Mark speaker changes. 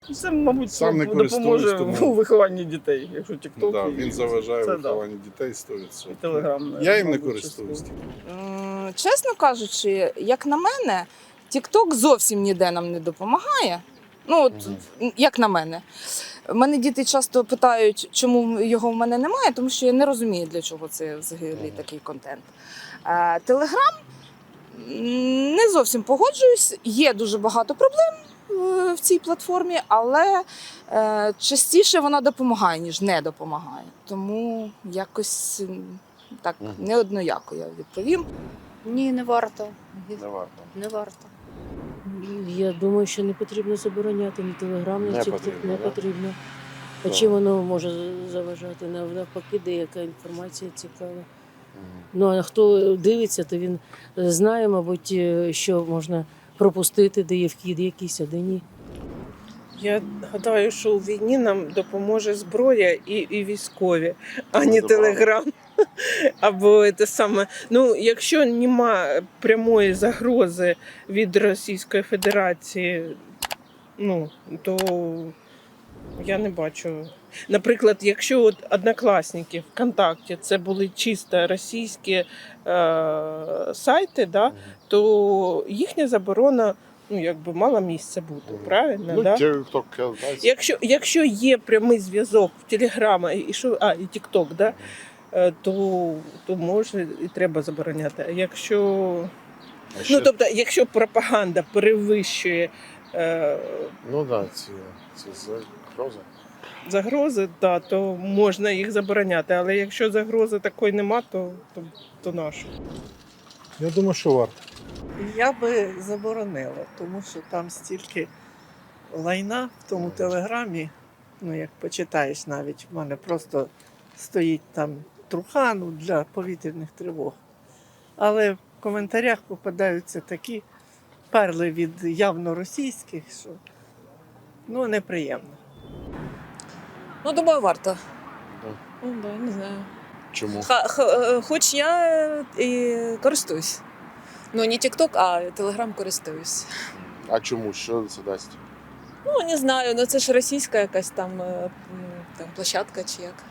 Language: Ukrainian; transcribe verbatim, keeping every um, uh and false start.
Speaker 1: Це, мабуть,
Speaker 2: Сам не
Speaker 1: допоможе
Speaker 2: користуюсь, тому-
Speaker 1: у вихованні дітей, якщо TikTok
Speaker 2: Да,
Speaker 1: і
Speaker 2: він заважає
Speaker 1: це,
Speaker 2: вихованню дітей сто відсотків.
Speaker 1: І Telegram,
Speaker 2: Я їм не
Speaker 1: мабуть,
Speaker 2: користуюсь.
Speaker 1: частково.
Speaker 3: М, Чесно кажучи, як на мене, TikTok зовсім ніде нам не допомагає. Ну, от, як на мене. Мене діти часто питають, чому його в мене немає, тому що я не розумію, для чого це взагалі такий контент. Телеграм не зовсім погоджуюсь, є дуже багато проблем е, в цій платформі, але е, частіше вона допомагає, ніж не допомагає. Тому якось м, так неоднояко я відповім.
Speaker 4: Ні, не варто.
Speaker 2: Не варто.
Speaker 4: Не варто.
Speaker 5: Я думаю, що не потрібно забороняти ні телеграм, ні
Speaker 2: Не
Speaker 5: TikTok,
Speaker 2: потрібно,
Speaker 5: не
Speaker 2: да?
Speaker 5: потрібно. А
Speaker 2: Так.
Speaker 5: чим воно може заважати? Нав- Навпаки, деяка інформація цікава. Ну а хто дивиться, то він знає, мабуть, е, що можна пропустити, де є вхід якийсь, а де ні.
Speaker 6: Я гадаю, що у війні нам допоможе зброя і, і військові, а не
Speaker 2: Добре.
Speaker 6: телеграм. Або те саме. Ну, якщо нема прямої загрози від Російської Федерації, ну, то я не бачу. Наприклад, якщо от Однокласники, ВКонтакті це були чисто російські е, сайти, да, то їхня заборона ну, якби мала місце бути, правильно?
Speaker 2: Ну,
Speaker 6: да?
Speaker 2: TikTok, знаєте,
Speaker 6: Якщо, якщо є прямий зв'язок в Телеграма і що, а, і Тікток, да, е, то, то може і треба забороняти. А якщо,
Speaker 2: а ще-
Speaker 6: ну, тобто, якщо пропаганда перевищує е,
Speaker 2: Ну так, да, ці, ці загрози.
Speaker 6: загрози, да, то можна їх забороняти. Але якщо загрози такої нема, то, то, то нащо?
Speaker 7: Я думаю, що варто.
Speaker 8: Я би заборонила, тому що там стільки лайна в тому телеграмі. Ну, як почитаєш навіть, в мене просто стоїть там трухану для повітряних тривог. Але в коментарях попадаються такі перли від явно російських, що ну, неприємно.
Speaker 9: Ну, думаю, варто.
Speaker 2: Да.
Speaker 9: Ну, да, не знаю.
Speaker 2: Чому?
Speaker 9: Ха, х, е, хоч я е, і користуюсь. Ну, не TikTok, а Telegram користуюсь.
Speaker 2: А чому? Що це дасть?
Speaker 9: Ну, не знаю, ну це ж російська якась там, е, м, там площадка чи як.